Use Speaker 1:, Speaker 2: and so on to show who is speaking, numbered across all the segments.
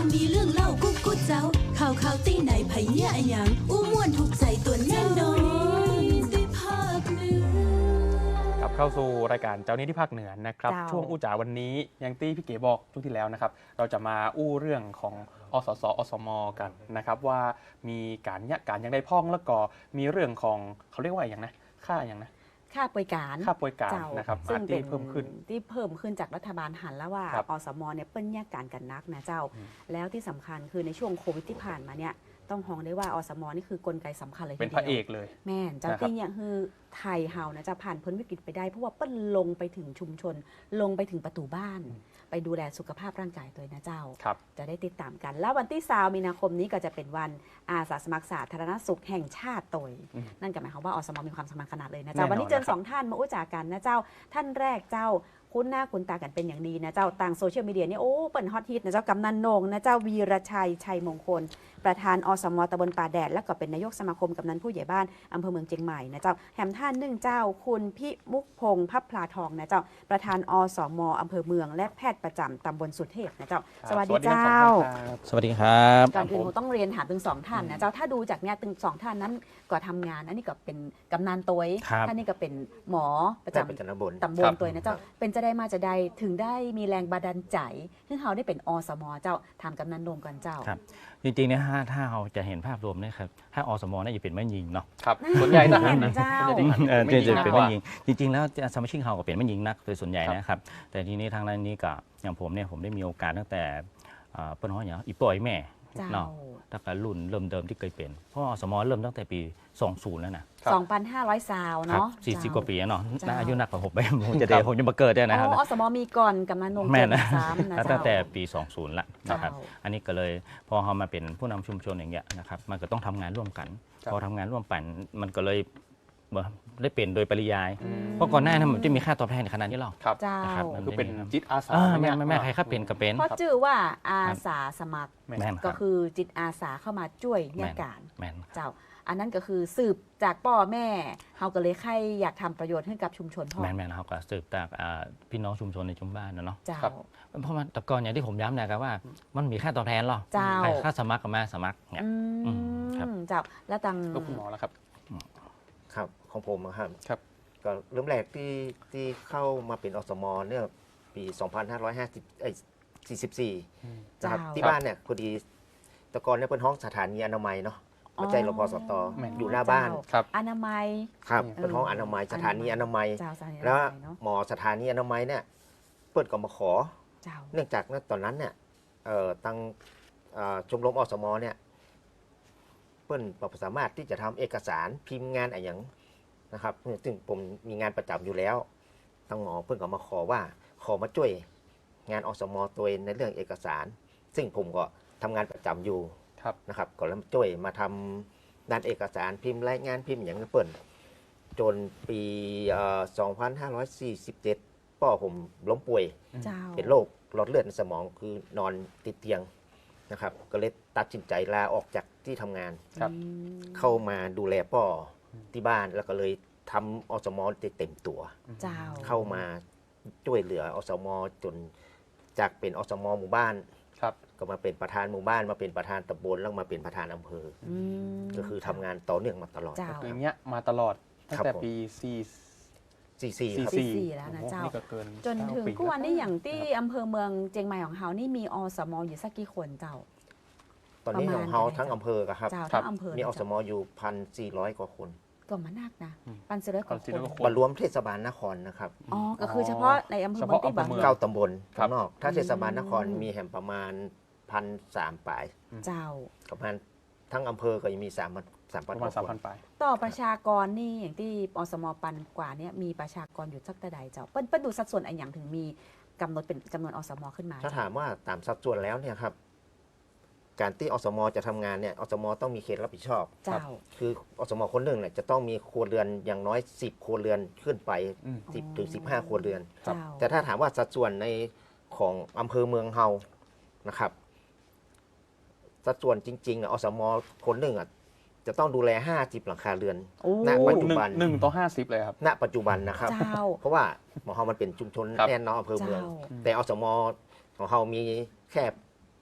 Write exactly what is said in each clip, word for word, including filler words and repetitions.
Speaker 1: มีเรื่องเล่ากุ๊กกุ๊กเจ้าข่าวข่าวตีไหนไผเหี้ยอะหยังอู้ม่วนถูกใจตัวแน่นอนที่ภาคเหนือก
Speaker 2: ลับเข้าสู่รายการเจ้านี้ที่ภาคเหนือนะครับช่วงอู้จ๋าวันนี้อย่างที่พี่เก๋บอกช่วงที่แล้วนะครับเราจะมาอู้เรื่องของอสสอสมกันนะครับว่ามีการยะการยังได้พ่องแล้วก็มีเรื่องของเขาเรียกว่าอย่างนะค่าอย่างนะ
Speaker 3: ค่าป่วยการ
Speaker 2: ค่าป่วยการนะครับ
Speaker 3: ซึ่งเป็น
Speaker 2: เพิ่มขึ้น
Speaker 3: ที่เพิ่มขึ้นจากรัฐบาลหันแล้วว่าอสมเนี่ยเปิ้ลแยกการกันนักนะเจ้าแล้วที่สำคัญคือในช่วงโควิดที่ผ่านมาเนี่ยต้องห้องได้ว่าอสมนี่คือกลไกสำคัญเลย
Speaker 2: เป็นพระเอกเลย
Speaker 3: แม่นเจ้าที่เนี่ยคือไทยเฮานะจะผ่านพ้นวิกฤตไปได้เพราะว่าเปิ้ลลงไปถึงชุมชนลงไปถึงประตูบ้านไปดูแลสุขภาพร่างกายตัวนะเจ้าจะได้ติดตามกันแล้ววันที่สามมีนาคมนี้ก็จะเป็นวันอาสาสมัครสาธารณสุขแห่งชาติตัวนั่นก็หมายความว่าอสมมีความสำคัญขนาดเลยนะเจ้าวันนี้เจอสองท่านมาอู้จากันนะเจ้าท่านแรกเจ้าคุ้นหน้าคุ้นตากันเป็นอย่างดีนะเจ้าต่างโซเชียลมีเดียนี่โอ้เปิดฮอตฮิตนะเจ้ากำนันนงนะเจ้าวีรชัยชัยมงคลประธานอสมตำบลป่าแดดและก็เป็นนายกสมาคมกำนันผู้ใหญ่บ้านอำเภอเมืองเชียงใหม่นะเจ้าแหมท่านหนึ่งเจ้าคุณพิมุกพงษ์พับพลาทองนะเจ้าประธานอสมอำเภอเมืองและแพทย์ประจำตำบลสุเทพนะเจ้าสวัสดีเจ้า
Speaker 4: สวัสดีครับ
Speaker 3: ก่อนอื่นผมต้องเรียนถามถึงสองท่านนะเจ้าถ้าดูจากเนี้ยถึงสองท่านนั้นก็ทำงานอันนี้ก็เป็นกำนันตัวท่านนี่ก็เป็นหมอประจำตำบลตำบลตัวนะเจ้าเป็นจะได้มาจะได้ถึงได้มีแรงบันดาลใจที่เขาได้เป็นอสมเจ้าทำกำนันนมกันเจ้า
Speaker 4: ครับจริงๆเนี่ยถ้าถ้าเราจะเห็นภาพรวมเนี่ยครับถ้าอสมน่าจะเป็นแม่ยิงเนาะ
Speaker 2: ครับส่วนใหญ่ทหาร
Speaker 3: นะเจ้า
Speaker 4: จะเป็นแม่ยิงจริงๆแล้วสมาชิกเขาก็เป็นแม่ยิงนักโดยส่วนใหญ่นะครับแต่ทีนี้ทางด้านนี้ก็อย่างผมเนี่ยผมได้มีโอกาสตั้งแต่เปิ้ลฮ้อยอย่างอีป่อยแม่เนาะตั้งแต่รุ่นเริ่มเดิมที่เคยเป็นเพราะอสมเริ่มตั้งแต่ปีสองพันแล้วนะ
Speaker 3: สองพันห้าร้อยซาวเนาะ
Speaker 4: สี่สิบกว่าปีเนาะน่าอายุนักกว่าผมไปผมจะเดี๋ยวผมจะมาเกิดได้นะครับ
Speaker 3: อสมมีก่อนกำนันนง
Speaker 4: แม่นะตั้งแต่ปีสองพันละนะครับอันนี้ก็เลยพอเขามาเป็นผู้นำชุมชนอย่างเงี้ยนะครับมันก็ต้องทำงานร่วมกันพอทำงานร่วมกันมันก็เลยได้เป็นโดยปริยายเพราะก่อนหน้านั้นมันจะมีค่าตอบแทนขนาดนี้หรอก
Speaker 2: ครับคือเป็นจิตอาสา
Speaker 4: แม่แม่ใครครับเป็นก็เป็น
Speaker 3: เพราะชื่อว่าอาสาสมัครก็คือจิตอาสาเข้ามาช่วยเนี่ยการเจ้าอันนั้นก็คือสืบจากพ่อแม่เขาก็เลยใครอยากทำประโยชน์ให้กับชุมชนพ่อ
Speaker 4: แม่แม่เขาก็สืบจากพี่น้องชุมชนในชุมบ้านนะเนาะ
Speaker 3: เจ้า
Speaker 4: เพราะมันแต่ก่อนอย่างที่ผมย้ำนะครับว่ามันมีค่าตอบแทนหรอใครค่าสมัครก็มาสมัครเนี่ย
Speaker 3: ครับเจ้าแล้วตัง
Speaker 2: คุณหมอแล้วครับ
Speaker 5: ครับของผมครับ
Speaker 2: ครับ
Speaker 5: ก็เริ่มแรกที่ที่เข้ามาเป็นอสมเนี่ยปีสองพันห้าร้อยห้าสิบเอ้ยสี่สิบสี่นะครับที่บ้านเนี่ยพอดีแต่ก่อนเนี่ยเป็นห้องสถานีอนามัยเนาะหัวใจรพสตอยู่หน้าบ้าน
Speaker 3: อนามัย
Speaker 5: ครับเป็นห้องอนามัยสถานีอนามัยแล้วหมอสถานีอนามัยเนี่ยเปิดก็มาขอเนื่องจากตอนนั้นเนี่ยตั้งชมรมอสมเนี่ยเปิ้ลสามารถที่จะทำเอกสารพิมพ์งานอะไรอย่างนะครับซึ่งผมมีงานประจำอยู่แล้วตั้งหมอเพิ่งก็มาขอว่าขอมาช่วยงานอสมตัวในเรื่องเอกสารซึ่งผมก็ทำงานประจำอยู่นะครับก็แล้วช่วยมาทำด้านเอกสารพิมพ์รายงานพิมพ์อย่างนี้เปิ้ลจนปีสองพันห้าร้อยสี่สิบเจ็ดพ่อผมล้มป่วยเป็นโรคหลอดเลือดในสมองคือนอนติดเตียงนะครับก็เลยตัดสินใจลาออกจากที่ทำงานเข้ามาดูแลพ่อที่บ้านแล้วก็เลยทำอสมเต็มตัวเข้ามาช่วยเหลืออสมจนจากเป็นอสมหมู่บ้านก็มาเป็นประธานหมู่บ้านมาเป็นประธานตำบลแล้วมาเป็นประธานอำเภอก็คือทำงานต่อเนื่องมาตลอด
Speaker 2: อย่างเงี้ยมาตลอดตั้งแต่ปีสี่
Speaker 5: สี่สี่
Speaker 3: สี่แล้วนะเจ้าจนถึงกู้วันนี้อย่างที่อำเภอเมืองเชียงใหม่ของเฮานี่มีอสมอยู่สักกี่คนเจ้า
Speaker 5: ตอนนี้ของเฮาทั้งอำเภอครับมีอสมอยู่พันสี่ร้อยกว่าคน
Speaker 3: ก็มานักนะพันสี่ร้อยกว่าคน
Speaker 5: มารวมเทศบาลนครนะครับ
Speaker 3: อ๋อก็คือเฉพาะในอำเภอเมืองที่บาง
Speaker 5: เก้าตำบลข้างนอกถ้าเทศบาลนครมีแห่งประมาณพันสามปลาย
Speaker 3: เจ้า
Speaker 5: ประมาณทั้งอำเภอก็ยังมีสามสามพันกว่าคน
Speaker 3: ต่อประชากรนี่อย่างที่อสมปันกว่านี้มีประชากรอยู่สักแต่ใดเจ้าเปิ้ลดูสัดส่วนอันอย่างถึงมีกำหนดเป็นจำนวนอสมขึ้นมา
Speaker 5: ถ้าถามว่าตามสัดส่วนแล้วเนี่ยครับการที่อสมจะทำงานเนี่ยอสมต้องมีเขตรับผิดชอบคืออสมคนหนึ่งเนี่ยจะต้องมีครัวเรือนอย่างน้อยสิบครัวเรือนขึ้นไปสิบถึงสิบห้าครัวเรือนแต่ถ้าถามว่าสัดส่วนในของอำเภอเมืองเฮานะครับสัดส่วนจริงๆอสมคนหนึ่งอ่ะจะต้องดูแลห้าสิบหลังคาเรือนณปัจจุบัน
Speaker 2: หนึ่งต่อห้าสิบเลยครับ
Speaker 5: ณปัจจุบันนะครับเพราะว่าหมอเฮามันเป็นชุมชนแน่นอนอำเภอเมืองแต่อสมของเฮามีแค่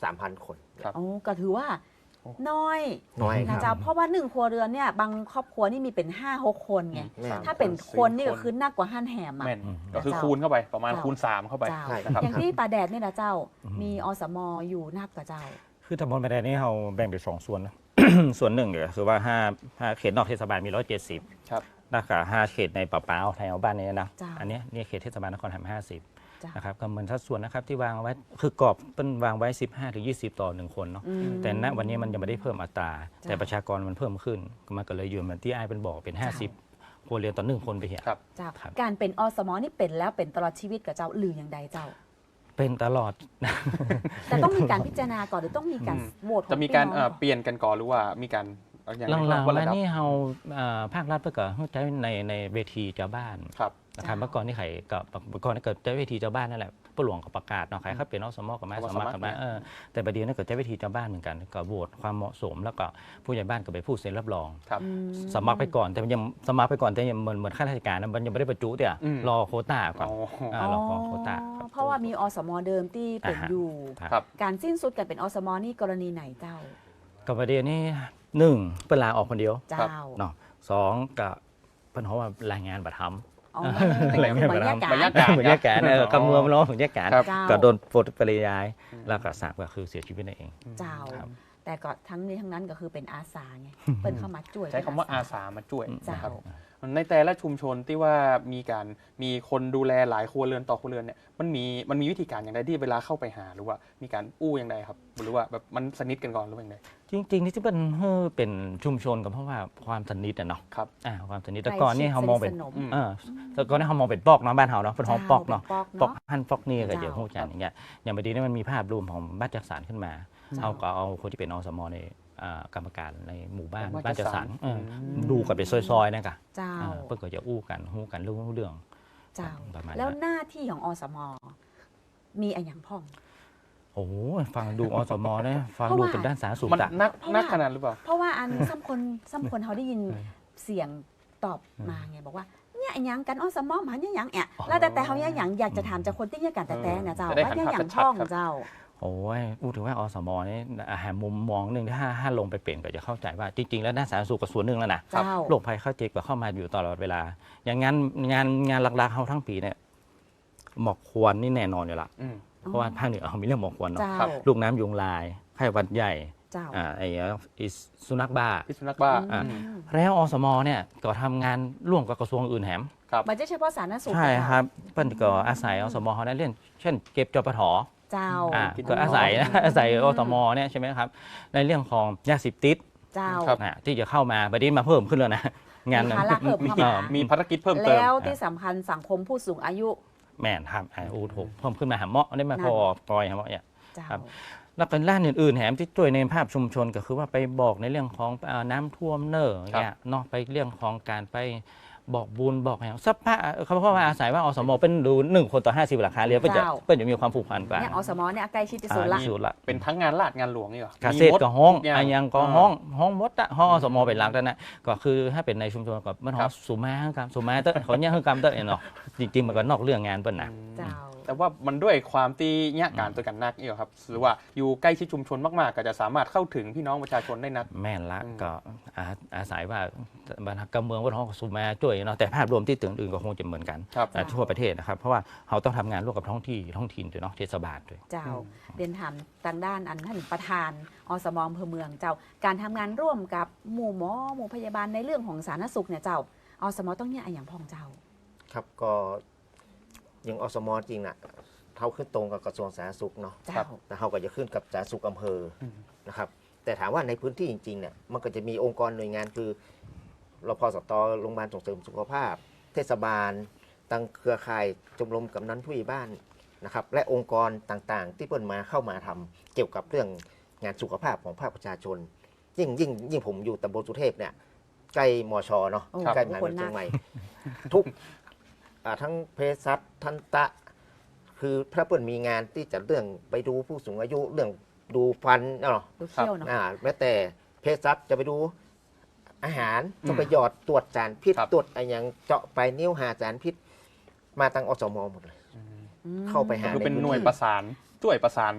Speaker 5: สามพันคน
Speaker 2: ครับ
Speaker 3: โอ้ก็ถือว่าน้อย
Speaker 5: น้อยค
Speaker 3: นะ
Speaker 5: รับ
Speaker 3: เจ้าเพราะว่าหนึ่งครัวเรือนเนี่ยบางครอบครัวนี่มีเป็นห้าหกคนไง
Speaker 5: แม่น
Speaker 3: ถ้าเป็นคนนี่ก็คือหนักกว่าห้านแหมอ่ะ
Speaker 2: แม่น
Speaker 4: อืม
Speaker 2: ก็คือคูณเข้าไปประมาณคูณสามเข้าไป
Speaker 3: เจ้า
Speaker 5: ใช่
Speaker 2: นะครับ
Speaker 3: อย่างที่ป่าแดดนี่นะเจ้า
Speaker 4: อืม
Speaker 3: มีอสมอยู่นับกับเจ้า
Speaker 4: คือตำบลประแดนี่เราแบ่งเป็นสองส่วนนะ ส่วนหนึ่งเนี่ยคือว่าห้าห้าเขตนอกเทศบาลมีร้อยเจ็ดสิบ
Speaker 2: ครับ
Speaker 4: นะคะห้าเขตในป่าเปล่าไทยเอาบ้านนี้นะ
Speaker 3: จ้ะ
Speaker 4: อันเนี้ยเนี่ยเขตเทศบาลนครหัมห้าสิบ
Speaker 3: จ้า
Speaker 4: นะครับก็เหมือนสัดส่วนนะครับที่วางไว้คือกรอบเป็นวางไว้ สิบห้าถึงยี่สิบ ต่อหนึ่งคนเนาะ
Speaker 3: อืม
Speaker 4: แต่ณวันนี้มันยังไม่ได้เพิ่มอัตรา
Speaker 3: จ้ะ
Speaker 4: แต่ประชากรมันเพิ่มขึ้นมันก็เลยอยู่เหมือนที่ไอ้ายเป็นบอกเป็น ห้าสิบครัวเรือนต่อหนึ่งคนไปเหีย
Speaker 2: ครับ
Speaker 3: เจ้า
Speaker 4: ครับ
Speaker 3: การเป็นอสมนี่เป็นแล้วเป็นตลอดชีวิตกับเจ้าหรืออย่างใดเจ้า
Speaker 4: เป็นตลอด
Speaker 3: แต่ต้องมีการพิจารณาก่อนหรือต้องมีการ
Speaker 2: อืม
Speaker 3: โหวตของ
Speaker 2: จะมีการ
Speaker 3: พี่น้
Speaker 2: เอ่
Speaker 3: อ
Speaker 2: อง เปลี่ยนกันก่อนหรือว่ามีการอย่าง
Speaker 4: หลังๆ
Speaker 2: ว่า
Speaker 4: มา
Speaker 2: ระดับ
Speaker 4: นี่เราเอ่อภาครัฐเพื่อก็ใช้ในในเวทีเจ้าบ้าน
Speaker 2: ครับ
Speaker 4: นะครับเมื่อก่อนนี่ใครก็เมื่อก่อนนี่เกิดใช้เวทีเจ้าบ้านนั่นแหละผู้หลวงก็ประกาศเนาะใครเขาเป็นอสมกับมา
Speaker 2: เอา
Speaker 4: ส
Speaker 2: มา
Speaker 4: มัคร
Speaker 2: สมัคร
Speaker 4: กันมาเออแต่ประเดี๋ยวนี่เกิดใช้เวทีเจ้าบ้านเหมือนกันก็โหวตความเหมาะสมแล้วก็ผู้ใหญ่บ้านก็ไปพูดเซ็นรับรอง
Speaker 2: ครับ
Speaker 3: อืม
Speaker 4: สมัครไปก่อนแต่มันยังสมัครไปก่อนแต่ยังเหมือนเหมือนข้าราชการนะมันยังไม่ได้บรรจุเดี๋ยว
Speaker 2: อืม
Speaker 4: รอโควต้าก่อน
Speaker 2: อ๋อ
Speaker 4: อ่ารอขอโควต้าครับ
Speaker 3: เพราะว่ามีอสมเดิมที่เป็น
Speaker 4: อ่าฮะ
Speaker 3: อยู่
Speaker 2: ครับ
Speaker 3: การสิ้นสุดการเป็นอสมนี่กรณีไหนเจ้า
Speaker 4: กับประเด็นนี้หนึ่งเป็นลาออกคนเดียว
Speaker 3: เจ้า
Speaker 4: เนาะสองกับเพิ่นเพราะว่ารายงานบัตรทำ
Speaker 3: อ๋อ
Speaker 4: อะไรไม่
Speaker 3: บรรยากาศ
Speaker 2: บรรยากาศ
Speaker 4: เหมือนแยกแกนเออกำนวมร้องของแยกแกน
Speaker 2: ครับ
Speaker 3: เจ้า
Speaker 4: ก็โดนปลดปริยาย แล้วก็สามก็คือเสียชีวิตนั่นเอง
Speaker 3: เจ้า
Speaker 4: ครับ
Speaker 3: แต่ก็ทั้งนี้ทั้งนั้นก็คือเป็นอาสาไงเปิ้นเข้ามาช่วย
Speaker 2: ใช้คำว่าอาสามาช่วย
Speaker 3: เจ้า
Speaker 2: นะครับในแต่ละชุมชนที่ว่ามีการมีคนดูแลหลายครัวเรือนต่อครัวเรือนเนี่ยมันมีมันมีวิธีการอย่างไรที่เวลาเข้าไปหาหรือว่ามีการอู้อย่างไรครับหรือว่าแบบมันสนิทกันก่อนหรือว่าอย่างไร
Speaker 4: จริงๆนี่ที่เป็นเฮ้อเป็นชุมชนก็เพราะว่าความสนิทอะเนาะ
Speaker 2: ครับ
Speaker 4: อ่าความสนิทแต่ก่อนนี่เขามองเป็น
Speaker 3: ใกล้ชิดสนิทสนม
Speaker 2: อืม
Speaker 4: เออแต่ก่อนนี่เขามองเป็นปอกเนาะบ้านเฮาเนาะเป็นห้องปอกเนาะ
Speaker 3: ปอก
Speaker 4: ปอ
Speaker 3: เนาะ
Speaker 4: กหั่นปอกนี่ก็
Speaker 3: เจ้า
Speaker 4: เดี๋ยวหูจันอย่างเงี้ยอย่างบดีนี่มันมีภาพรวมของบ้านจัดสรรขึ้นมา
Speaker 3: เจ้า
Speaker 4: เอาก็เอาคนที่เป็นอสมในอ่ากรรมการในหมู่บ้าน
Speaker 2: บ้าน
Speaker 4: บ้านจัดสรร
Speaker 2: จัดสรร
Speaker 4: เอออ
Speaker 2: ม
Speaker 4: ดูกันเป็นซอยๆนะกะ
Speaker 3: เจ้า
Speaker 4: อ่าเพื่อก็จะอู้กันหู้กันเรื่องเรื่อง
Speaker 3: เจ้า
Speaker 4: ประมาณนั้น
Speaker 3: แล้วหน้าที่ของอสมมีอะไรอย่างพ่อง
Speaker 4: โอ้โหฟังดูอสมเนี่ยฟัง
Speaker 3: เพราะ
Speaker 4: ดู
Speaker 3: ว่า
Speaker 4: เป็นด้านสาธารณสุข
Speaker 2: มัน
Speaker 4: อะ
Speaker 2: นัก
Speaker 3: เพราะว่า
Speaker 2: นักขนาดหรือเปล่า
Speaker 3: เพราะว่าอัน ซ้ำคนซ้ำคนเขาได้ยินเสียงตอบมาไงบอกว่าเนี่ยไอ้หยังกันอสมอมหันเนี่ยหยังแอะแล้วแต่แต่เขาเนี่ยหยังอยากจะถามจากคนที่เนี่ยกันแต่แต่เนี่ยเจ้า
Speaker 2: จะได้
Speaker 3: ว่าเนี่ยหยัง
Speaker 2: หันภาพชัดๆ
Speaker 3: พ่อง
Speaker 2: ครับ
Speaker 3: เจ้า
Speaker 4: โอ้ยพูดถึงว่าอสมนี่อาหารมุมมองหนึ่งถ้าถ้าลงไปเปลี่ยนก็จะเข้าใจว่าจริง ๆ แล้วด้านสาธารณสุขก็ส่วนหนึ่งแล้วนะ
Speaker 3: เจ้า
Speaker 4: โรคภัยไข้เจ็บก็เข้ามาอยู่ตลอดเวลา อย่างงานงานงานหลักๆเขาทั้งปีเนี่ยหมอกควันนี่แน่นอนอยู่ละ
Speaker 2: อืม
Speaker 4: เพราะว่าภาคเหนือเขามีเรื่องหมอกควันเนาะ
Speaker 3: เจ้า
Speaker 2: ครับ
Speaker 4: ลูกน้ำยุงลายไข้หวัดใหญ่
Speaker 3: เจ้า
Speaker 4: อ่าไอ้ไอ้สุนัขบ้า
Speaker 2: พิษสุนัขบ้า
Speaker 4: อ่า
Speaker 2: อืม
Speaker 4: แล้วอสมเนี่ยก็ทำงานร่วมกับกระทรวงอื่นแหม
Speaker 2: ครับ
Speaker 3: มันจะเฉพาะสาธารณสุข
Speaker 4: ใช่
Speaker 3: เจ้า
Speaker 4: ครับเปิ้นก็อาศัยอสมเขาได้เล่นเช่นเก็บจปท
Speaker 3: เจ้า
Speaker 4: อ่า
Speaker 2: กิน
Speaker 4: ก็อาศัยนะอาศัยอสมเนี่ยใช่ไหมครับในเรื่องของยาเสพติด
Speaker 3: เจ้า
Speaker 2: ครับ
Speaker 4: อ่าที่จะเข้ามาประเด็นมาเพิ่มขึ้นแล้วนะงาน
Speaker 3: มีภาระเพิ่มเข้ามา
Speaker 2: มีภารกิจเพิ่มเติม
Speaker 3: แล้วที่สำคัญสังคมผู้สูงอายุ
Speaker 4: แม่นครับอ่าอูถูกเพิ่มขึ้นมาหาเหมาะได้มาพอปล่อยหาเหมาะเนี่ย
Speaker 3: เจ้า
Speaker 4: ครับ แล้วก็ด้านอื่นๆแถมที่ช่วยในภาพชุมชนก็คือว่าไปบอกในเรื่องของเอ่อน้ำท่วมเนอร์เนี่ยเนาะไปเรื่องของการไปบอกบุญบอกอย่างสัพพะเขาเพราะว่าอาศัยว่าอสมเป็นดูหนึ่งคนต่อห้าสิบหลังคาเรือนเพื่อจะ
Speaker 3: เจ้า
Speaker 4: เพื่อจะมีความผูกพันกว่า
Speaker 3: เนี่ยอสมเนี่ยใกล้ชิดที่สุดละ
Speaker 4: อ่าสุดละ
Speaker 2: เป็นทั้งงานราชงานหลวงนี่เหรอ
Speaker 4: เกษตรก็ห้อง
Speaker 2: มีหมดทุย่า
Speaker 4: อันยังก็ห้องห้องมดอะห้องอสมเป็นหลักแล้วนะก็คือถ้าเป็นในชุมชนกับมันห้
Speaker 2: ค
Speaker 4: อ
Speaker 2: รั
Speaker 4: ง
Speaker 2: บ
Speaker 4: สุมาครับสุมาเตอร์เขาเนี่ยคือกรรมเตอร์เนาะจริงๆมันก็นอกเรื่องงานเปิ้นนะ
Speaker 3: เจ้า
Speaker 2: แต่ว่ามันด้วยความที่เนี่ยการตัวกันนักนี่เหรอครับหรือว่าอยู่ใกล้ชิดชุมชนมากๆ ก็จะสามารถเข้าถึงพี่น้องประชาชนได้นัก
Speaker 4: แม่นละ
Speaker 2: อืม
Speaker 4: ก็อาอาศัยว่าบรรทัดการเมืองวัฒนธรรมสุมาช่วยเนาะแต่ภาพรวมที่ตึงอื่นก็คงจะเหมือนกัน
Speaker 2: ครับ
Speaker 4: อ่าทั่วประเทศนะครับเพราะว่าเขาต้องทำงานร่วมกับท้องที่ท้องถิ่นด้วยเนาะเทศบาลด้วย
Speaker 3: เจ้า
Speaker 2: อืม
Speaker 3: เรียนถามทางด้านอันท่านประธานอสมอำเภอเมืองเจ้า การทำงานร่วมกับหมู่หมอหมู่พยาบาลในเรื่องของสาธารณสุขเนี่ยเจ้าอสมต้องเนี่ยอะไรอย่างพ่องเจ้า
Speaker 5: ครับก็ยังอสมจริงน่ะเท่าขึ้นตรงกับกระทรวงสาธารณสุขเนาะ
Speaker 3: เจ้า
Speaker 5: แต่เขาก็จะขึ้นกับสาธารณสุขอำเภออ
Speaker 2: ม
Speaker 5: นะครับ แต่ถามว่าในพื้นที่จริงๆเนี่ยมันก็จะมีองค์กรหน่วยงานคือรพสตโรงพยาบาลส่งเสริมสุขภาพ เทศบาลตั้งเครือข่ายชมรมกำนันผู้ใหญ่บ้านนะครับและองค์กรต่างๆ ที่เปิดมาเข้ามาทำเกี่ยวกับเรื่องงานสุขภาพของภาคประชาชน ยิ่งยิ่งยิ่งผมอยู่ตำบลสุเทพเนี่ยใกล้มชเนาะ
Speaker 3: โอ้
Speaker 5: ใกล้มหาวิทยาลัยเชียงใหม่ ทุกอ่าทั้งเภสัชทันตะ คือพระเปิ่นมีงานที่จะเรื่องไปดูผู้สูงอายุเรื่องดูฟันเนาะ
Speaker 3: ดูเขี้ยวเนาะ
Speaker 5: อ่าแม้แต่เภสัชจะไปดูอาหาร
Speaker 2: อืม
Speaker 5: ต้องไปหยอดตรวจสารพิษ
Speaker 2: ครับ
Speaker 5: ตรวจอะไรอย่างเจาะไปนิ้วหาสารพิษ มาตั้งอสมหมดเลย
Speaker 3: อืม
Speaker 5: เข้าไปหา
Speaker 2: คือเป็นหน่วยประสานช่วยประสาน
Speaker 5: ป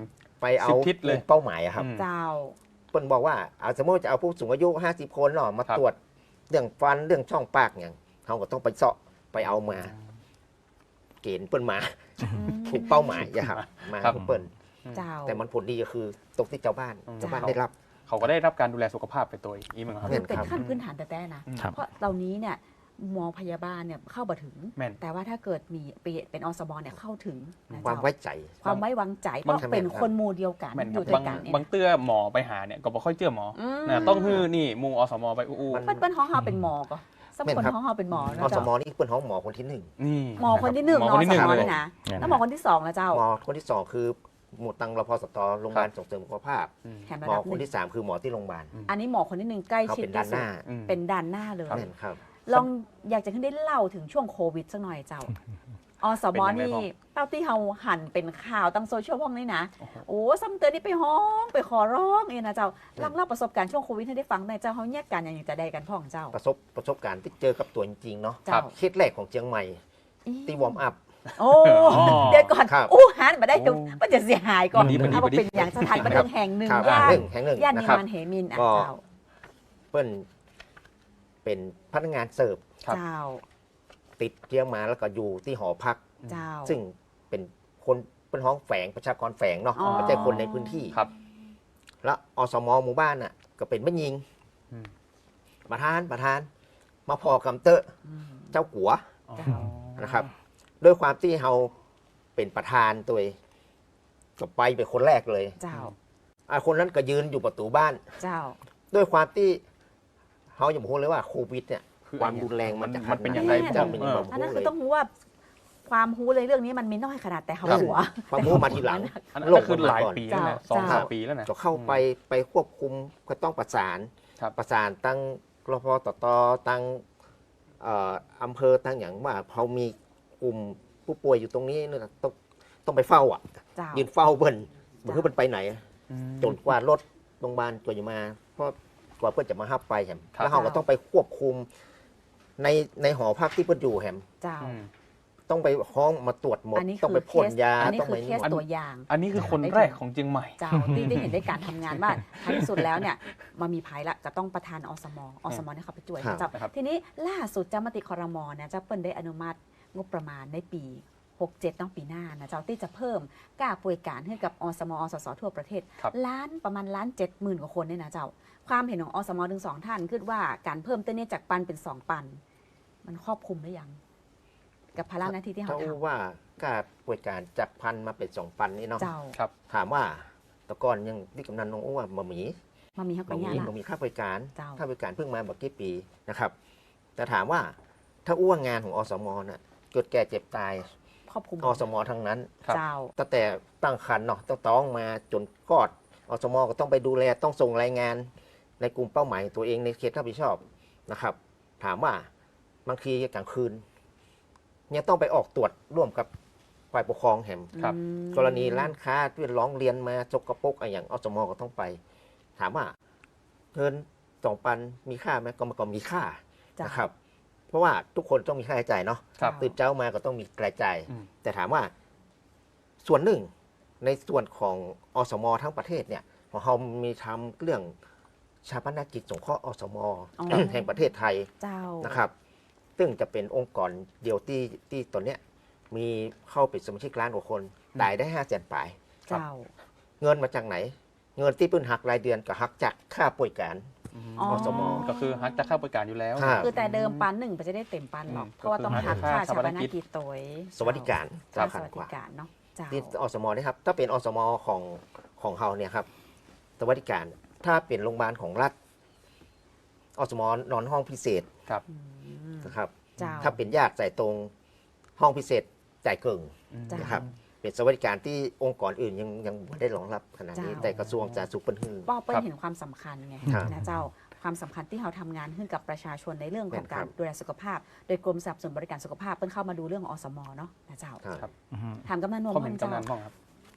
Speaker 5: ไปเอา
Speaker 2: สิบทิศเลย
Speaker 5: เป้าหมายอะครับ
Speaker 2: อืม
Speaker 3: เจ้า
Speaker 5: เปิ้นบอกว่าเอาสมมติจะเอาผู้สูงอายุห้าสิบคนเนาะมา
Speaker 2: ครับ
Speaker 5: ตรวจเรื่องฟันเรื่องช่องปากอย่างเขาก็ต้องไปเสาะไปเอามา เกณฑ์เปิ้นมาถูกเป้าหมายอะครับมา
Speaker 2: ครับ
Speaker 5: เปิ้น
Speaker 3: เจ้า
Speaker 5: แต่มันผลดีก็คือตกที่เจ้าบ้าน
Speaker 2: อืม
Speaker 5: เจ้าบ้านได้รับ
Speaker 2: เขาก็ได้รับการดูแลสุขภาพไปตัวอีกเหมือนกันครับ
Speaker 5: เห็
Speaker 3: เป็น
Speaker 5: ครับ
Speaker 3: ขั้นพื้นฐานแต่แต่นะ
Speaker 4: ครับ
Speaker 3: เพราะเหล่านี้เนี่ยหมอพยาบาลเนี่ยเข้าบ่ถึง
Speaker 2: แม่น
Speaker 3: แต่ว่าถ้าเกิดมีเป็นอสมเนี่ยเข้าถึงนะ
Speaker 5: ความ
Speaker 3: เจ้า
Speaker 5: ไว้ใจ
Speaker 3: ความไว้วางใจเพ
Speaker 2: บาง
Speaker 3: ราะเป็นคนหมู่เดียวกัน
Speaker 2: แม่น
Speaker 3: อ
Speaker 2: ครั
Speaker 3: ยู่
Speaker 2: บ
Speaker 3: ด้วย
Speaker 2: บาง
Speaker 3: กันเนี่ย
Speaker 2: บางเตื้อหมอไปหาเนี่ยก็บ่ค่อยเจือหมอ
Speaker 3: อืม
Speaker 2: นะต้องฮื้อนี่หมูอสมไปอู้
Speaker 5: มัน
Speaker 3: เปิ้นเปิ้นห้องเฮาเป็นหมอก็สัก
Speaker 5: แม่น
Speaker 3: คน
Speaker 5: ครับ
Speaker 3: ห้องเฮาเป็นหมอ
Speaker 5: อ
Speaker 3: นะ
Speaker 5: ส
Speaker 3: เจ้าม
Speaker 5: นี่เปิ้นห้องหมอคนที่หนึ่ง
Speaker 2: นี่
Speaker 3: หมอคนที่หนึ่ง
Speaker 2: หมอ
Speaker 3: เนาะ
Speaker 2: คนที่หนึ่ง
Speaker 3: สม
Speaker 2: เลย
Speaker 3: นี่นะ
Speaker 4: เนี่ย
Speaker 3: แล้วหมอคนที่สองแล้วเจ้า
Speaker 5: หมอคนที่สองคือหมู่ตังรพสตโรงพยาบาลส่งเสริมสุขภาพ
Speaker 2: อืม
Speaker 3: แถมระ
Speaker 5: หมอ
Speaker 3: ดับห
Speaker 5: คน
Speaker 3: นึ่ง
Speaker 5: ที่สามคือหมอที่โรงพยาบาล
Speaker 3: อันนี้หมอคนที่หนึ่งใกล้
Speaker 5: เขา
Speaker 3: ชิด
Speaker 5: เป็นด้าน
Speaker 3: ที่
Speaker 5: ห
Speaker 3: สุด
Speaker 5: น้า
Speaker 2: อืม
Speaker 3: เป็นด้านหน้าเลย
Speaker 5: แม่นครับ
Speaker 3: ลองอยากจะขึ้นได้เล่าถึงช่วงโควิดสักหน่อยเจ้าอสม
Speaker 2: เป็นยังไง
Speaker 3: นี่
Speaker 2: บ้าง
Speaker 3: เต้าที่เฮาหันเป็นข่าวตั้งโซเชียลพ้องนี่นะ
Speaker 2: โอ้โห
Speaker 3: โอ้ซ้ำเตือนนี่ไปห้องไปขอร้องเองนะเจ้าเล่าเล่าประสบการณ์ช่วงโควิดให้ได้ฟังหน่อยเจ้าเขาแยกกันอย่างจะได้กันพ่องเจ้า
Speaker 5: ประสบประสบการณ์ที่เจอกับตัวจริงๆเนาะ
Speaker 3: เจ้า
Speaker 5: เคสแรกของเชียงใหม่ที่วอร์มอัพ
Speaker 3: โอ้
Speaker 2: อ๋อ
Speaker 3: เดี๋ยวก่อน
Speaker 5: ครับ
Speaker 3: อู้หันมาได้
Speaker 2: โอ้
Speaker 3: มันจะเสียหายก่อน
Speaker 2: มันดีมันดี
Speaker 3: เอา
Speaker 2: มันดี
Speaker 3: เป็นอย่างสถานบันเทิงแห่งหนึ่ง
Speaker 5: ครับ
Speaker 3: ย่า
Speaker 5: ห
Speaker 3: น
Speaker 5: นึ่งแห่งหนึ่ง
Speaker 3: ย่าน
Speaker 5: นะ
Speaker 3: นิ
Speaker 5: ครับ
Speaker 3: มานเหมินอ่ะ
Speaker 5: ก็
Speaker 3: เจ้า
Speaker 5: เปิ้นเป็นพนักงานเสิร์ฟ
Speaker 2: ครับ
Speaker 3: เจ้า
Speaker 5: ติดเชียงมาแล้วก็อยู่ที่หอพัก
Speaker 3: เจ้า
Speaker 5: ซึ่งเป็นคนเป็นห้องแฝงประชากรแฝงเนาะ
Speaker 3: อ๋อ
Speaker 5: ไม่ใช่คนในพื้นที่
Speaker 2: ครับ
Speaker 5: แล้วอสมหมู่บ้านน่ะก็เป็นแม่ยิง
Speaker 2: อืม
Speaker 5: ประธานประธาน มาพอกำเตอะ
Speaker 3: อืม
Speaker 5: เจ้ากัว
Speaker 2: อ๋อ
Speaker 3: เจ้า
Speaker 5: นะครับด้วยความที่เราเป็นประธานตัวเองก็ไปเป็นคนแรกเลย
Speaker 3: เจ้า
Speaker 5: อ่ะคนนั้นก็ยืนอยู่ประตูบ้าน
Speaker 3: เจ้า
Speaker 5: ด้วยความที่เขาอย่าพูดเลยว่าโควิดเนี่ย
Speaker 2: คือ
Speaker 5: ความรุนแรงมันจะ
Speaker 2: มันเป็น
Speaker 5: ข
Speaker 2: ยั
Speaker 5: นาด
Speaker 2: ง
Speaker 5: ไห
Speaker 2: ไง
Speaker 5: น
Speaker 3: แม่
Speaker 5: จะเป็นยังไง
Speaker 3: อันนั้น
Speaker 5: เล
Speaker 3: คือย ต้องรู้ว่าความรู้เลยเรื่องนี้มันมีน้อยขนาดแต่เขา
Speaker 5: ครับ
Speaker 3: หัว
Speaker 5: ความรู้มาทีหลัง
Speaker 2: อันนั้นคือหลายปีแล้วนะ
Speaker 3: เจ้า
Speaker 2: สองสามปีแล้วนะ
Speaker 5: จะเข้าไปไปควบคุมก็ต้องประสาน
Speaker 2: ครับ
Speaker 5: ประสานตั้งรพตตตั้งเอ่ออำเภอตั้งอย่างว่าเขามีกลุ่มผู้ป่วยอยู่ตรงนี้เนี่ยต้องต้องไปเฝ้าอ่ะ
Speaker 3: เจ้า
Speaker 5: ยืนเฝ้าเบิ้นเบิ้นมันไปไหน
Speaker 2: อืม
Speaker 5: จนกว่ารถโรงพยาบาลตัวจะมา เพราะกว่าเพื่อนจะมาฮับไปแฮม
Speaker 2: ครับ
Speaker 5: แล้วเขาก็ต้องไปควบคุมในในหอพักที่เพื่อนอยู่แฮม
Speaker 3: เจ้า
Speaker 2: อืม
Speaker 5: ต้องไปห้องมาตรวจหมด
Speaker 3: อันนี้
Speaker 5: ต้อง
Speaker 3: คื
Speaker 5: ไป
Speaker 3: อเค
Speaker 5: พ่น
Speaker 3: ส
Speaker 5: ยา
Speaker 3: อันนี้
Speaker 5: ต้อง
Speaker 3: คื
Speaker 5: ไป
Speaker 3: อเคส
Speaker 5: นวด
Speaker 3: ตัวอย่าง
Speaker 2: อันนี้คือคนแรกของเชียงใหม่
Speaker 3: เจ้าที่ได้เห็นได้การทำงานว่าท้ายที่สุดแล้วเนี่ยมามีภายละจะต้องประธานอสมอสมเนี่ยเขาไปช่วย
Speaker 5: ครับ
Speaker 3: เจ้า
Speaker 2: นะครับ
Speaker 3: ทีนี้ล่าสุดเจ้ามติคอรมอเนี่ยเจ้าเปิ้ลได้อนุมัติงบประมาณในปีหกเจ็ดต้องปีหน้านะเจ้าที่จะเพิ่มกล้าป่วยการให้กับอสมอสสทั่วประเทศ
Speaker 2: ครับ
Speaker 3: ล้านประมาณล้านเจ็ดหมื่นกว่าคนเนี่ยนะเจ้าความเห็นของอสมถึงสองท่านคือว่าการเพิ่มตัวนี้จากปันเป็นสองปัน มันครอบคลุมหรือยัง กับภาระหน้าที่ที่
Speaker 5: เขา
Speaker 3: เขาท
Speaker 5: ว่าการป่วยการจากพันมาเป็นสองพันนี่
Speaker 3: ำ
Speaker 5: เนาะ
Speaker 3: เจ้า
Speaker 2: ครับ
Speaker 5: ถามว่าแตะก่อนยังที่กำนันน้องอ้ว่าบะหมี่
Speaker 3: มามีเขา
Speaker 5: บะ
Speaker 3: ก็
Speaker 5: ห
Speaker 3: ยา
Speaker 5: มี่
Speaker 3: ละ
Speaker 5: บะหมี่ค่าบริการ
Speaker 3: เจ้า
Speaker 5: ค่าบริการเพิ่งมาบอกกี่ปีนะครับ แต่ถามว่าถ้าอ้วงงานของอสมน่ะเกิดแก่เจ็บตาย
Speaker 3: ครอบคลุม
Speaker 5: อสมทั้งนั้น
Speaker 2: ครับ
Speaker 3: เจ้า
Speaker 5: ตั้งแต่ตั้งครรภ์เนาะต้องต้องมาจนคลอดอสมก็ต้องไปดูแลต้องส่งรายงานในกลุ่มเป้าหมายตัวเองในเขตรับผิดชอบนะครับ ถามว่าบางทีกลางคืนเนี่ยต้องไปออกตรวจร่วมกับฝ่ายปกครองแห่ง
Speaker 2: ครับ
Speaker 3: อืม
Speaker 5: กรณีร้านค้าที่ร้องเรียนมาจกกระปกอะไรอย่างอสมก็ต้องไป ถามว่าเงินสองปันมีค่าไหมก็มันก็มีค่า
Speaker 3: เจ้า
Speaker 5: นะครับ เพราะว่าทุกคนต้องมีค่าใช้จ่ายเนาะ
Speaker 2: ครับ
Speaker 5: ตื่นเช้ามาก็ต้องมีรายจ่าย
Speaker 2: อืม
Speaker 5: แต่ถามว่าส่วนหนึ่งในส่วนของอสมทั้งประเทศเนี่ยของเรามีทำเรื่องชาปนกิจสงเคราะห์อสม
Speaker 3: อ๋อ
Speaker 5: แห่งประเทศไทย
Speaker 3: เจ้า
Speaker 5: นะครับ ซึ่งจะเป็นองค์กรเดียวที่ที่ตอนเนี้ยมีเข้าเป็นสมาชิกล้านกว่าคนตายได้ห้าแสนปลาย
Speaker 3: เจ้า
Speaker 5: เงินมาจากไหน เงินที่เพิ่นหักรายเดือนก็หักจากค่าป่วยการ
Speaker 3: อ๋อ
Speaker 5: อสม
Speaker 2: ก็คือฮักจะเข้าบริการอยู่แล้ว
Speaker 5: ครับ
Speaker 3: คือแต่เดิมปันหนึ่งมันจะได้เต็มปันหรอก
Speaker 2: อืม
Speaker 3: เพราะว่าต้อง
Speaker 2: ก็คือ
Speaker 3: หักค่า
Speaker 2: ค่า
Speaker 3: ชาปน
Speaker 2: ชาปนกิจ
Speaker 3: กิจตัว
Speaker 5: สวัสดิการ
Speaker 3: ค่าส
Speaker 5: สำคัญ
Speaker 3: วัส
Speaker 5: ก
Speaker 3: ดิ
Speaker 5: ว่า
Speaker 3: การเนาะเจ้า
Speaker 5: ที่อสมนะครับ ถ้าเป็นอสมของของเราเนี่ยครับสวัสดิการ ถ้าเป็นโรงพยาบาลของรัฐอสมนอนห้องพิเศษ
Speaker 2: ครับ
Speaker 3: อืม
Speaker 5: นะครับ
Speaker 3: เจ้า
Speaker 5: ถ้าเป็นญาติจ่ายตรงห้องพิเศษจ่ายเกิง
Speaker 3: จ้ะ
Speaker 5: นะครับ เป็นสวัสดิการที่องค์กรอื่นยังยังไม่ได้รองรับขนาดนี้
Speaker 3: เจ้า
Speaker 5: แต่กระทรวงสาธารณสุขเป็นหื้อ
Speaker 3: ป้อเปิ้ล
Speaker 2: ครับ
Speaker 3: เห็นความสำคัญไง
Speaker 5: ครับ
Speaker 3: นะเจ้าความสำคัญที่เราทำงานขึ้นกับประชาชนในเรื่องของการ
Speaker 5: ครับ
Speaker 3: ดูแลสุขภาพ โดยกรมสนับสนุนบริการสุขภาพเปิ้ลเข้ามาดูเรื่องอสมเนาะนะเจ้า
Speaker 5: ครับ
Speaker 3: ถามกำนันนวล
Speaker 2: ความ
Speaker 3: บ้า
Speaker 2: เห็น
Speaker 3: งเจ้า
Speaker 2: กำนันบ้างครับ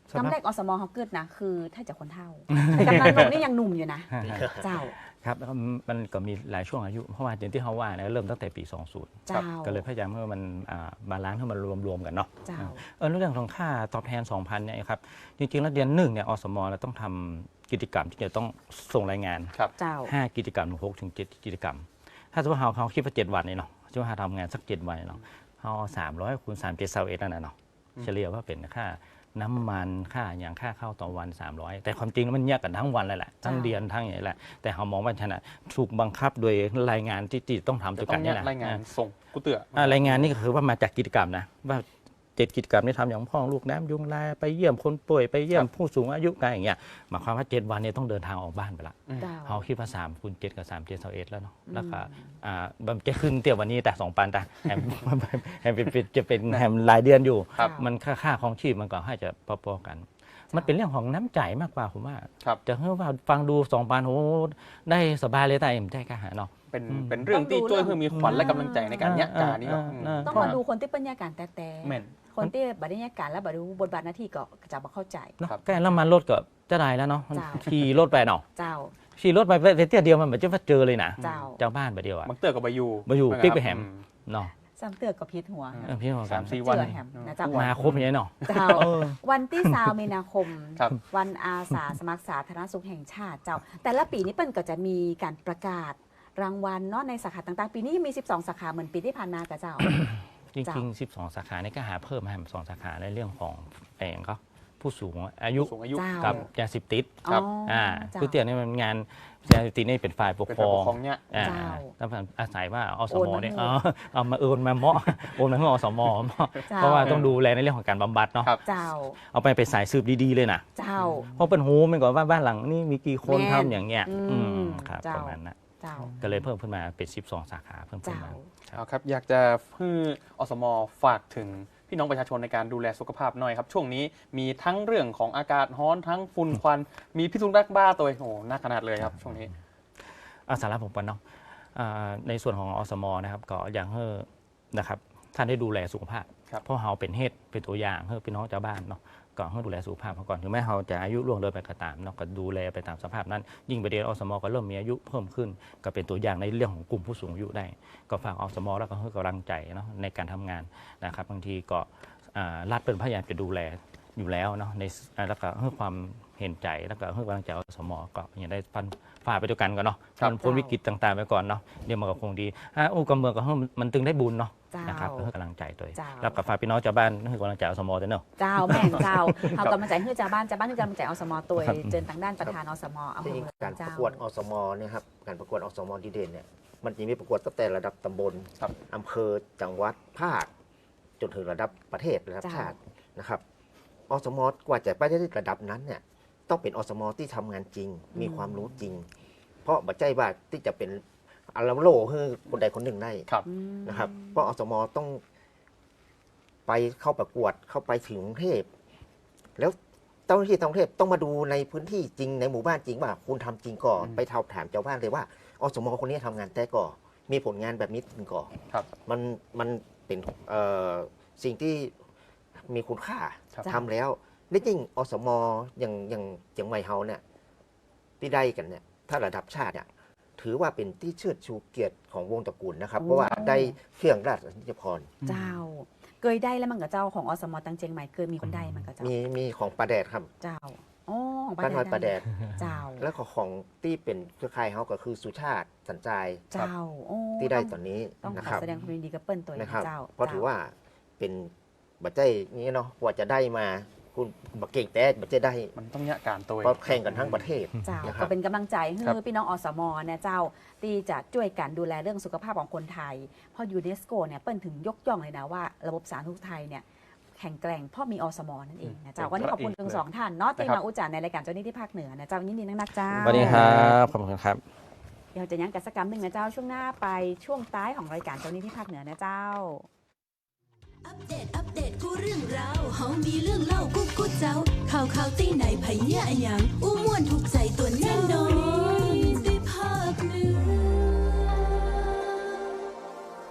Speaker 3: กำแรกอสมเขาเกิดนะคือถ้าจะคนเท่าแต่กำนันลงนี่ยังหนุ่มอยู่นะเจ้า
Speaker 4: ครับมันก็มีหลายช่วงอายุเพราะว่าอย่างที่เขาว่านะเริ่มตั้งแต่ปีสองสิบก็เลยพยายามให้มันบาลานซ์ให้มันรวมๆกันเนาะเออเรื่องของค่าตอบแทน สองพัน เนี่ยครับจริงๆแล้วเดือนหนึ่งเนี่ยอสมเราต้องทำกิจกรรมที่จะต้องส่งรายงานห้ากิจกรรมหกถึงเจ็ดกิจกรรมถ้าสมมติเขาเขาคิดว่าเจ็ดวันนี่เนาะสมมติว่าทำงานสักเจ็ดวันเนาะเขาสามร้อยคูณสามเจ็ดเซาเอ็ดนั่นน่ะเนาะเฉลี่ยว่าเป็นค่าน้ำมันค่าอย่างค่าเข้าต่อวันสามร้อยแต่ความจริงมันแยกกันทั้งวันเลยแหละทั้งเดือนทั้งอย่างนี้แหละแต่เขามองว่าชนะถูกบังคับโดยรายงานที่ต้องทำตัวกันนี่แหละ
Speaker 2: รายงานส่งกูเตือ
Speaker 4: รายงานนี่ก็คือว่ามาจากกิจกรรมนะว่าเจ็ดกิจกรรมที่ทำอย่างพ่อลูกน้ำยุงลายไปเยี่ยมคนป่วยไปเยี่ยมผู้สูงอายุกันอย่างเงี้ยหมายความว่าเจ็ดวันนี้ต้องเดินทางออกบ้านไปละเขาคิดว่าสามคูณเจ็ดกับสามเจ็ดเซาเอ็ดแล้วเนาะแล้วก็อ่าจะขึ้นเตี้ยวันนี้แต่สองปันแต่แฮมแฮมเป็นจะเป็นแฮมรายเดือนอยู่มันค่าค่าของชีพมันก็ให้จะพอๆกันมันเป็นเรื่องของน้ำใจมากกว่าผมว่าจะเฮ้ยว่าฟังดูสองปันโอ้ได้สบายเลยแต่เอ็มใจกล้าหาเนาะ
Speaker 2: เป็นเป็นเรื่องที่ช่วยเพื่อมีขวัญและกำลังใจในการยักการนี้
Speaker 3: ต้องมาดูคนที่ปัญญาการแต่แต่คนที่บัตรยักการและบัตรบทบาทหน้าที่ก็จะมาเข้าใจ
Speaker 4: แกแล้วมันรถก็จะได้แล้วเนาะขี่รถไปเนาะ
Speaker 3: เจ้า
Speaker 4: ขี่รถไปเตี้ยเดียวมันเหมือนจะว่าเจอเลยนะเจ้าบ้านไปเดียวอะ
Speaker 2: บางเตือกับใบยู
Speaker 4: ใบยูปิ๊กไปแฮมเนาะ
Speaker 3: สามเตือกับพิษหัว
Speaker 4: พิษหัว
Speaker 2: สามสี่วัน
Speaker 3: นะจ๊ะ
Speaker 4: มาครบอย่างนี้เนาะ
Speaker 3: วันที่สามมีนาคมวันอาสาสมัครสาธารณสุขแห่งชาติเจ้าแต่ละปีนี้เปิ้ลก็จะมีการประกาศรางวัลเนาะในสาขาต่างๆปีนี้มีสิบสองสาขาเหมือนปีที่ผ่านมากับเจ้า
Speaker 4: จริงๆสิบสองสาขาในก็หาเพิ่มมาสองสาขาในเรื่องของเองก็ผู้สูงอายุกับยาเสพติด
Speaker 2: ครับ
Speaker 4: อ่าคือเตียนี่มันงานยาเสพติดนี่เป็นฝ่ายปกครอง
Speaker 2: เนี่ย
Speaker 4: อ่าแล้วอาศัยว่าอสมเนี่ยเอามาเอิญมาเมาะโอนมาให้อสมเพราะว่าต้องดูแลในเรื่องของการบำบัดเนาะเอาไปไปสายสืบดีๆเลยนะเพราะเป็นหูมันก่อนว่าบ้านหลังนี่มีกี่คนทำอย่างเงี้ยครับประมาณนั้นก็เลยเพิ่มขึ้นมาเป็นสิบสองสาขาเพิ่มขึ้นมา
Speaker 2: ครับอยากจะให้อสมฝากถึงพี่น้องประชาชนในการดูแลสุขภาพหน่อยครับช่วงนี้มีทั้งเรื่องของอากาศร้อนทั้งฝุ่นควันมีพิษสุนัขบ้าตัวโอ้หนักขนาดเลยครับช่วงนี้
Speaker 4: อาสาระผมปนเนาะในส่วนของอสมนะครับก็อย่างให้นะครับท่านได้ดูแลสุขภาพเพราะเราเป็นเหตุเป็นตัวอย่างให้พี่น้องชาวบ้านเนาะก็ให้ดูแลสุขภาพเขาก่อนถึงแม้เราจะอายุล่วงเลยไปก็ตามเนาะก็ดูแลไปตามสภาพนั้นยิ่งประเด็นอสมก็เริ่มมีอายุเพิ่มขึ้นก็เป็นตัวอย่างในเรื่องของกลุ่มผู้สูงอายุได้ก็ฝากอสมแล้วก็ให้กำลังใจเนาะในการทำงานนะครับบางทีก็รัฐเป็นพยายามจะดูแลอยู่แล้วเนาะในแล้วก็ให้ความเห็นใจแล้วก็ให้กำลังใจอสมก็อย่างได้ฟันฝ่าไปด้วยกันก่อนเนาะมันพ้นวิกฤตต่างๆไปก่อนเนาะเดี๋ยวมันก็คงดีฮะอู้กำเมืองก็ให้มันตึงได้บุญเนาะนะครับให้กำลังใจตัวแล้วกับฝากพี่น้องชาวบ้านให้กำลังใจอสมด้วยเนาะ
Speaker 3: เจ้าแม่งเจ้าเอากำลังใจให้ชาวบ้านชาวบ้านให้กำลังใจอสมตัวเจนทางด้านประธานอสมเอา
Speaker 5: การประกวดอสมเนี่ยครับการประกวดอสมดีเด่นเนี่ยมันจะมีประกวดตั้งแต่ระดับตำบลอำเภอจังหวัดภาคจนถึงระดับประเทศระดับชาตินะครับอสมกว่าจะไปได้ระดับนั้นเนี่ยต้องเป็นอสมที่ทำงานจริงมีความรู้จริงเพราะบัจจัยว่าที่จะเป็นอาราโลให้คนใดคนหนึ่งได้นะครับเพราะอสมต้องไปเข้าประกวดเข้าไปถึงกรุงเทพแล้วเจ้าหน้าที่ท้องเทพต้องมาดูในพื้นที่จริงในหมู่บ้านจริงว่าคุณทำจริงก่อนไปถามถามเจ้าบ้านเลยว่าอสมคนนี้ทำงานแต่ก่อมีผลงานแบบนี้จริงก่อมันมันเป็นสิ่งที่มีคุณค่าทำแล้วนี่จริงอสมอย่างอย่างเจียงใหม่เฮาเนี่ยที่ได้กันเนี่ยถ้าระดับชาติเนี่ยถือว่าเป็นที่เชิดชูเกียรติของวงตระกูลนะครับเพราะว่าได้เครื่องราชนิยพร
Speaker 3: เจ้าเคยได้แล้วมันกับเจ้าของอสมตังเจียงใหม่เคยมีคนได้มันกับเจ้า
Speaker 5: มีมีของปลาแดดครับ
Speaker 3: เจ้าอ๋อของ
Speaker 5: ปลาแดดปลาแดด
Speaker 3: เจ้า
Speaker 5: แล้วของที่เป็นเครือข่ายเขาก็คือสุชาติสัญใจ
Speaker 3: เจ้า
Speaker 5: ที่ได้ตอนนี้
Speaker 3: ต้องขอแสดงความยินดีกับเปิ้ลตัวนี้เจ้า
Speaker 5: เพราะถือว่าเป็นบัจจัยนี้เนาะกว่าจะได้มาคุณบักเก่งแต่บัจจัยได้
Speaker 2: มันต้องยะการตัว
Speaker 5: เพราะแข่งกันทั้งประเทศ
Speaker 3: เจ้าก็เป็นกำลังใจให้พี่น้องอสมเนี่ยเจ้าที่จะช่วยกันดูแลเรื่องสุขภาพของคนไทยเพราะยูเนสโกเนี่ยเปิ้ลถึงยกย่องเลยนะว่าระบบสาธารณสุขไทยเนี่ยแข็งแกร่งเพราะมีอสมนั่นเองนะเจ้าวันนี้ขอบคุณทั้งสองท่านเนาะที่มาอุจจาระในรายการเจ้าหนี้ที่ภาคเหนือนะเจ้ายินดีนักๆเจ้า
Speaker 4: สวัสดีครับขอบคุณครับ
Speaker 3: เดี๋ยวจะยังกิจกรรมหนึ่งนะเจ้าช่วงหน้าไปช่วงท้ายของรายการเจ้าหนี้ที่ภาคเหนือนะเจ้า
Speaker 1: อัปเดตอัปเดตกูเรื่องราวเฮามีเรื่องเล่ากูกูเจ้าข่าวข่าวตีไหนไผเหี้ยอะหยัง